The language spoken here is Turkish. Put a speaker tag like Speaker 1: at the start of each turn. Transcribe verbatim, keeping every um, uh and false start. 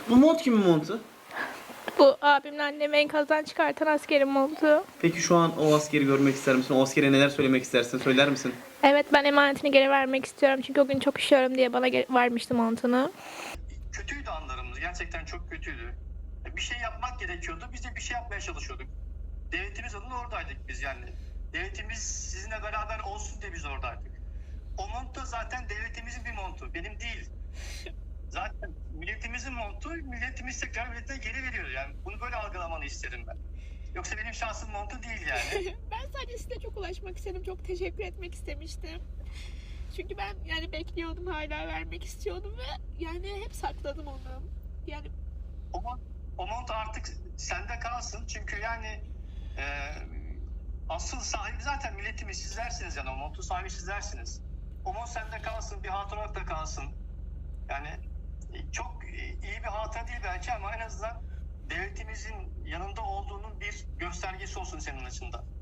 Speaker 1: Bu mont kimin montu?
Speaker 2: Bu abimle annemi enkazdan çıkartan askerin montu.
Speaker 1: Peki şu an o askeri görmek ister misin? O askere neler söylemek istersin? Söyler misin?
Speaker 2: Evet, ben emanetini geri vermek istiyorum. Çünkü o gün çok üşüyorum diye bana ge- vermişti montunu.
Speaker 3: Kötüydü anlarımız. Gerçekten çok kötüydü. Bir şey yapmak gerekiyordu. Biz de bir şey yapmaya çalışıyorduk. Devletimiz adına oradaydık biz yani. Devletimiz sizinle beraber olsun diye biz oradaydık. O mont da zaten devletimizin bir montu. Benim değil. Zaten milletimizin montu, milletimiz tekrar milletine geri veriyor. Yani bunu böyle algılamanı isterim ben. Yoksa benim şahsım montu değil yani.
Speaker 4: Ben sadece size çok ulaşmak istedim. Çok teşekkür etmek istemiştim. Çünkü ben yani bekliyordum, hala vermek istiyordum ve yani hep sakladım onu. Yani
Speaker 3: O mont, o mont artık sende kalsın. Çünkü yani e, asıl sahibi zaten milletimiz, sizlersiniz yani. O montun sahibi sizlersiniz. O mont sende kalsın, bir hatıra da kalsın. Yani e, çok iyi bir hatıra değil belki ama en azından devletimizin yanında olduğunun bir göstergesi olsun senin açından.